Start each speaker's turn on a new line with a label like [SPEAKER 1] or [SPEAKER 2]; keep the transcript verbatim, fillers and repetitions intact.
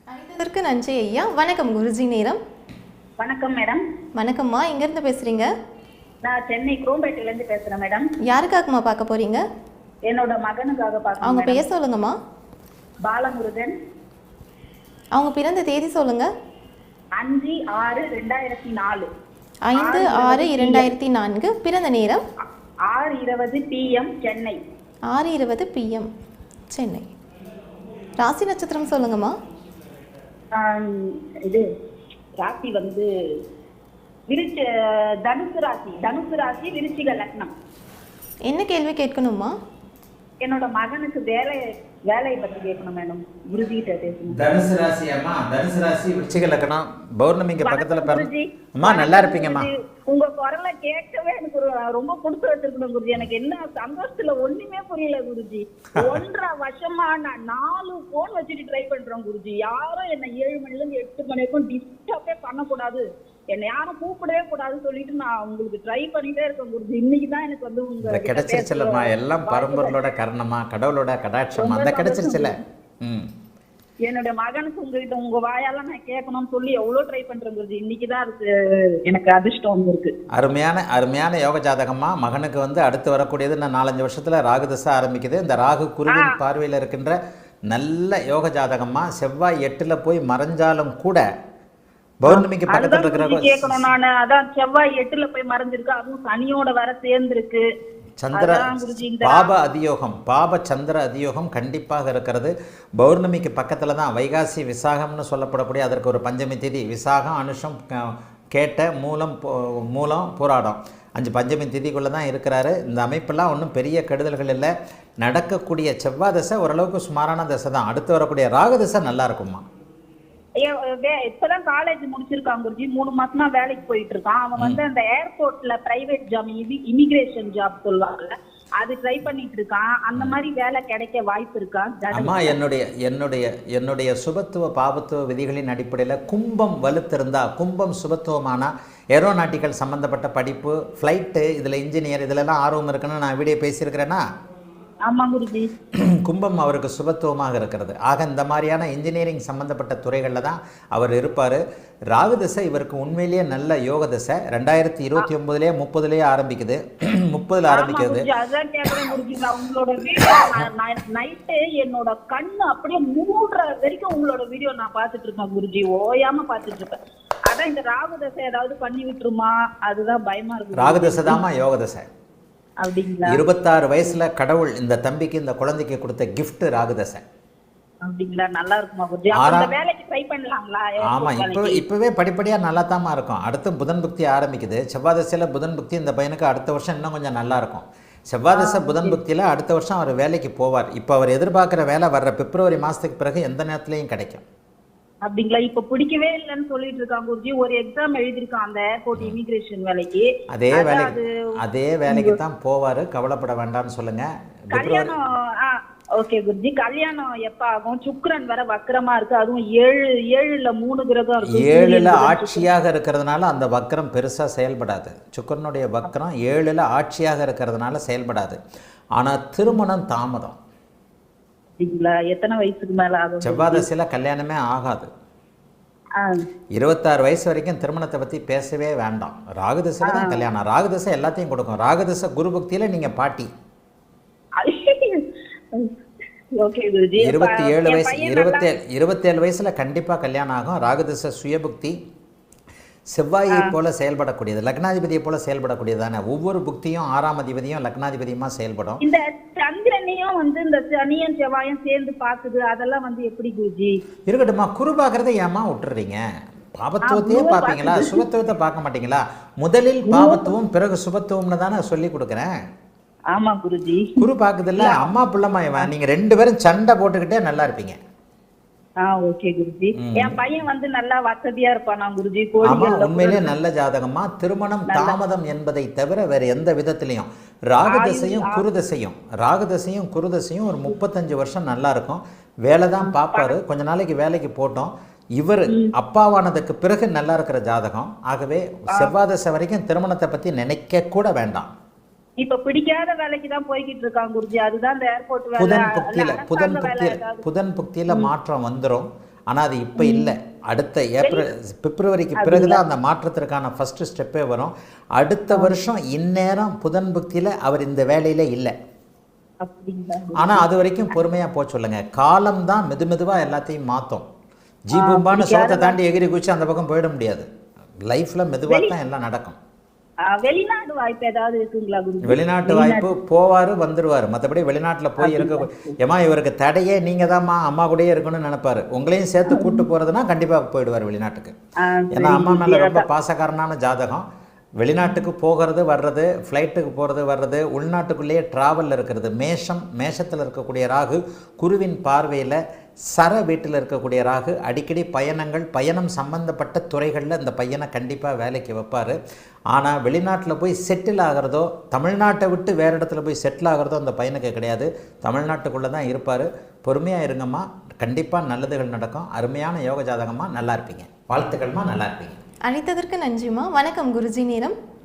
[SPEAKER 1] அழைத்ததற்கு நன்றி ஐயா. வணக்கம் குருஜி நேரம்.
[SPEAKER 2] வணக்கம் மேடம்.
[SPEAKER 1] வணக்கம்மா, எங்கேருந்து பேசுகிறீங்க?
[SPEAKER 2] நான் சென்னை குரோம்பேட்டையிலேருந்து பேசுகிறேன் மேடம்.
[SPEAKER 1] யாருக்காகம்மா பார்க்க போகிறீங்க?
[SPEAKER 2] என்னோட மகனுக்காக பார்க்க.
[SPEAKER 1] அவங்க பேர் சொல்லுங்கம்மா.
[SPEAKER 2] பாலமுருகன்.
[SPEAKER 1] அவங்க பிறந்த தேதி சொல்லுங்க.
[SPEAKER 2] அஞ்சு ஆறு ரெண்டாயிரத்தி நாலு.
[SPEAKER 1] ஐந்து ஆறு இரண்டாயிரத்தி நான்கு. பிறந்த நேரம்
[SPEAKER 2] ஆறு இருபது பிஎம் சென்னை.
[SPEAKER 1] ஆறு இருபது பிஎம் சென்னை. ராசி நட்சத்திரம் சொல்லுங்கம்மா.
[SPEAKER 2] இது ராசி வந்து விருச்ச தனுசு ராசி. தனுசு ராசி விருச்சிக லக்னம்.
[SPEAKER 1] என்ன கேள்வி கேட்கணுமா?
[SPEAKER 2] என்னோட மகனுக்கு வேலை வேலையை பற்றி கேட்கணும் மேடம். குருஜிகிட்ட பேசணும்.
[SPEAKER 3] தனுசு ராசி அம்மா. தனுசு ராசி விருச்சிக லக்னம். பௌர்ணமிக்கு பக்கத்துல பிறந்து அம்மா நல்லா இருப்பீங்கம்மா.
[SPEAKER 2] உங்க குரலை கேட்கவே எனக்கு ஒரு ரொம்ப பிடிச்ச வச்சிருக்கணும் குருஜி. எனக்கு என்ன சந்தோஷத்துல ஒண்ணுமே புரியல குருஜி. ஒன்றரை வருஷமா நான் நாலு போன் வச்சுட்டு ட்ரை பண்றேன் குருஜி. யாரும் என்ன ஏழு மணில இருந்து எட்டு மணி வரைக்கும் டிஸ்டர்பே பண்ணக்கூடாது, என்னை யாரும் கூப்பிடவே கூடாதுன்னு சொல்லிட்டு நான் உங்களுக்கு ட்ரை பண்ணிட்டே இருக்கேன் குருஜி. இன்னைக்குதான் எனக்கு வந்து உங்க
[SPEAKER 3] கிடைச்சிருச்சுல்லம்மா. எல்லாம் பரம்பொருளோட கரணமா, கடவுளோட கடாட்சமா, அந்த கிடைச்சிருச்சுல. ம்
[SPEAKER 2] என்னோட மகனுக்கு உங்ககிட்ட உங்க வாயால நான் கேட்கணும்னு சொல்லி எவ்வளவு ட்ரை பண்றேன் குருஜி. இன்னைக்குதான் அதுக்கு எனக்கு அதிர்ஷ்டம் வந்திருக்கு.
[SPEAKER 3] அருமையான அருமையான யோக ஜாதகமா. மகனுக்கு வந்து அடுத்து வரக்கூடியது நான் நாலஞ்சு வருஷத்துல ராகு தசை ஆரம்பிக்குது. இந்த ராகு குருவின் பார்வையில் இருக்கின்ற நல்ல யோக ஜாதகமா. செவ்வாய் எட்டுல போய் மறைஞ்சாலும் கூட பௌர்ணமிக்கு பக்கத்துல இருக்கிற
[SPEAKER 2] கேட்கணும் நான். அதான் செவ்வாய் எட்டுல போய் மறைஞ்சிருக்கு, அதுவும் சனியோட வர சேர்ந்திருக்கு.
[SPEAKER 3] சந்திர பாப அதியோகம், பாப சந்திர அதியோகம் கண்டிப்பாக இருக்கிறது. பௌர்ணமிக்கு பக்கத்தில் தான் வைகாசி விசாகம்னு சொல்லப்படக்கூடிய அதற்கு ஒரு பஞ்சமி திதி. விசாகம், அனுஷம், கேட்ட, மூலம் மூலம் போராடம் அஞ்சு பஞ்சமி திதிக்குள்ளே தான் இருக்கிறாரு. இந்த அமைப்பெல்லாம் ஒன்றும் பெரிய கெடுதல்கள் இல்லை. நடக்கக்கூடிய செவ்வாய் தசை ஓரளவுக்கு சுமாரான தசை தான். அடுத்து வரக்கூடிய ராகு தசை நல்லா இருக்குமா.
[SPEAKER 2] இப்பதான் காலேஜ் முடிச்சிருக்கான் குருஜி. மூணு மாசமா வேலைக்கு போயிட்டு இருக்கான். அவன் வந்து அந்த ஏர்போர்ட்ல பிரைவேட் ஜாப், இமிகிரேஷன் ஜாப் சொல்லுவாங்கல்ல, அது ட்ரை பண்ணிட்டு இருக்கான். அந்த மாதிரி வேலை கிடைக்க வாய்ப்பு இருக்கா?
[SPEAKER 3] அம்மா, என்னுடைய என்னுடைய என்னுடைய சுபத்துவ பாபத்துவ விதிகளின் அடிப்படையில் கும்பம் வலுத்திருந்தா, கும்பம் சுபத்துவமானா, ஏரோநாட்டிக்கல் சம்பந்தப்பட்ட படிப்பு, ஃப்ளைட்டு, இதில் இன்ஜினியர், இதிலெல்லாம் ஆர்வம் இருக்குன்னு நான் வீடியோ பேசியிருக்கிறேன்னா. கும்பம் அவருக்கு சுபத்துவமாக இருக்கிறது. ஆக இந்த மாதிரியான இன்ஜினியரிங் சம்பந்தப்பட்ட துறைகளில் தான் அவர் இருப்பார். ராகு தசை இவருக்கு உண்மையிலேயே நல்ல யோக தசை. ரெண்டாயிரத்தி இருபத்தி ஒன்பதுலேயே முப்பதுலேயே ஆரம்பிக்குது. முப்பதுல ஆரம்பிக்கிறது.
[SPEAKER 2] என்னோட கண்ணு அப்படியே மூடுற வரைக்கும் உங்களோட வீடியோ நான் பார்த்துட்டு இருக்கேன் குருஜி. ஓயாம பார்த்துட்டு இருப்பேன். அதான் இந்த ராகு தசை ஏதாவது பண்ணி விட்டுருமா, அதுதான் பயமா இருக்கு.
[SPEAKER 3] ராகு தசை தாமா யோக தசை. இருபத்தாறு வயசுல கடவுள் இந்த தம்பிக்கு, இந்த குழந்தைக்கு கொடுத்த கிஃப்ட் ராகு தசை. ஆமா, இப்போ இப்பவே படிப்படியா நல்லா தாமா இருக்கும். அடுத்து புதன் புக்தி ஆரம்பிக்குது. செவ்வாய் தசையில புதன் புக்தி இந்த பையனுக்கு அடுத்த வருஷம் இன்னும் கொஞ்சம் நல்லா இருக்கும். செவ்வாய் தசை புதன் புக்தியில அடுத்த வருஷம் அவர் வேலைக்கு போவார். இப்போ அவர் எதிர்பார்க்கிற வேலை வர்ற பிப்ரவரி மாசத்துக்கு பிறகு எந்த நேரத்திலையும் கிடைக்கும்.
[SPEAKER 2] அப்படிங்களா? இப்ப பிடிக்கவே இல்லைன்னு சொல்லிட்டு இருக்காங்க குருஜி. ஒரு எக்ஸாம் எழுதிருக்கான் அந்த ஏர்போர்ட் இமிகிரேஷன் வேலைக்கு.
[SPEAKER 3] அதே வேலைக்கு அதே வேலைக்கு தான் போவாரு. கவலைப்பட வேண்டாம்னு சொல்லுங்க.
[SPEAKER 2] கல்யாணம் ஓகே குருஜி. கல்யாணம் எப்ப ஆகும்? சுக்கிரன் வர வக்கரமா இருக்கு. அதுவும் ஏழு ஏழுல மூணு கிரகம் இருக்கு.
[SPEAKER 3] ஏழுல ஆட்சியாக இருக்கிறதுனால அந்த வக்கரம் பெருசா செயல்படாது. சுக்கிரனுடைய வக்கரம் ஏழுல ஆட்சியாக இருக்கிறதுனால செயல்படாது. ஆனா திருமணம் தாமதம்.
[SPEAKER 2] எத்தனை வயசுக்கு மேல ஆகும்?
[SPEAKER 3] செவ்வாய் தசையில கல்யாணமே ஆகாது. இருபத்தாறு வயசு வரைக்கும் திருமணத்தை பத்தி பேசவே வேண்டாம். ராகுதசையில தான் கல்யாணம். ராகுதசை எல்லாத்தையும் கொடுக்கும். ராகுதசை குரு பக்தியில நீங்க பாட்டி. இருபத்தி ஏழு வயசு இருபத்தி ஏழு இருபத்தி ஏழு வயசுல கண்டிப்பா கல்யாணம் ஆகும். ராகுதசை சுயபுக்தி. செவ்வாயை போல செயல்படக்கூடியது, லக்னாதிபதியை போல செயல்படக்கூடியதானே. ஒவ்வொரு புக்தியும் ஆறாம் அதிபதியும் லக்னாதிபதியுமா செயல்படும்.
[SPEAKER 2] இந்த சந்திரனையும் வந்து இந்த சனியும் செவ்வாயும் சேர்ந்து பாக்குது, அதெல்லாம் வந்து எப்படி குருஜி?
[SPEAKER 3] இருக்கட்டுமா, குரு பாக்குறதை ஏமா விட்டுறீங்க? பாபத்துவத்தையே பாப்பீங்களா, சுபத்துவத்தை பார்க்க மாட்டீங்களா? முதலில் பாபத்துவம் பிறகு சுபத்துவம்னு தானே சொல்லி கொடுக்குறேன்.
[SPEAKER 2] ஆமா குருஜி.
[SPEAKER 3] குரு பாக்குது இல்ல, அம்மா பிள்ளைமா இவன், நீங்க ரெண்டு பேரும் சண்டை போட்டுக்கிட்டே நல்லா இருப்பீங்க. உண்மையிலேயே நல்ல ஜாதகமா. திருமணம் தாமதம் என்பதை தவிர வேற எந்த விதத்திலையும் ராகுதசையும் குருதசையும் ராகுதசையும் குருதசையும் ஒரு முப்பத்தஞ்சு வருஷம் நல்லா இருக்கும். வேலை தான் பார்ப்பாரு. கொஞ்ச நாளைக்கு வேலைக்கு போட்டோம். இவர் அப்பாவானதுக்கு பிறகு நல்லா இருக்கிற ஜாதகம். ஆகவே செவ்வாய் தசை வரைக்கும் திருமணத்தை பத்தி நினைக்க கூட வேண்டாம்.
[SPEAKER 2] இப்ப பிடிக்காத வேலைக்கு தான் போய்கிட்டு இருக்காங்க குருஜி. அதுதான் இந்த ஏர்போர்ட் வேலை.
[SPEAKER 3] புதன் புக்தியில புதன் புக்தியில புதன் புக்தியில மாற்றம் வந்துரும். ஆனால் அது இப்போ இல்லை. அடுத்த ஏப்ரல் பிப்ரவரிக்கு பிறகு தான் அந்த மாற்றத்திற்கான ஃபஸ்ட்டு ஸ்டெப்பே வரும். அடுத்த வருஷம் இந்நேரம் புதன் புக்தியில் அவர் இந்த வேலையில் இல்லை. ஆனால் அது வரைக்கும் பொறுமையாக போக சொல்லுங்க. காலம்தான் மெது மெதுவாக எல்லாத்தையும் மாற்றும். ஜீபும்பான்னு சோத்தை தாண்டி எகிரி குச்சி அந்த பக்கம் போயிட முடியாது. லைஃப்பில் மெதுவாக தான் எல்லாம் நடக்கும்.
[SPEAKER 2] வெளிநாடு வாய்ப்பு ஏதாவது இருக்குங்களா குருஜி?
[SPEAKER 3] வெளிநாட்டு வாய்ப்பு போவார் வந்துடுவார். மற்றபடி வெளிநாட்டில் போய் இருக்க ஏமா இவருக்கு தடையே நீங்கள் தான்மா அம்மா கூடயே இருக்கணும்னு நினைப்பாரு. உங்களையும் சேர்த்து கூட்டு போகிறதுனா கண்டிப்பாக போயிடுவார் வெளிநாட்டுக்கு. ஏன்னா அம்மா மேலே ரொம்ப பாசக்காரனான ஜாதகம். வெளிநாட்டுக்கு போகிறது வர்றது, ஃப்ளைட்டுக்கு போகிறது வர்றது, உள்நாட்டுக்குள்ளேயே ட்ராவலில் இருக்கிறது. மேஷம் மேஷத்தில் இருக்கக்கூடிய ராகு குருவின் பார்வையில் சர வீட்டில் இருக்கக்கூடிய ராகு அடிக்கடி பயணங்கள் பயணம் சம்பந்தப்பட்ட துறைகளில் இந்த பையனை கண்டிப்பாக வேலைக்கு வைப்பார். ஆனால் வெளிநாட்டில் போய் செட்டில் ஆகிறதோ தமிழ்நாட்டை விட்டு வேறு இடத்துல போய் செட்டில் ஆகிறதோ அந்த பையனுக்கு கிடையாது. தமிழ்நாட்டுக்குள்ளே தான் இருப்பார். பொறுமையாக இருங்கம்மா, கண்டிப்பாக நல்லதுகள் நடக்கும். அருமையான யோக ஜாதகமாக நல்லா இருப்பீங்க. வாழ்த்துக்கள்மா, நல்லா இருப்பீங்க.
[SPEAKER 1] அழைத்ததற்கு நன்றிம்மா. வணக்கம் குருஜி. நேரம்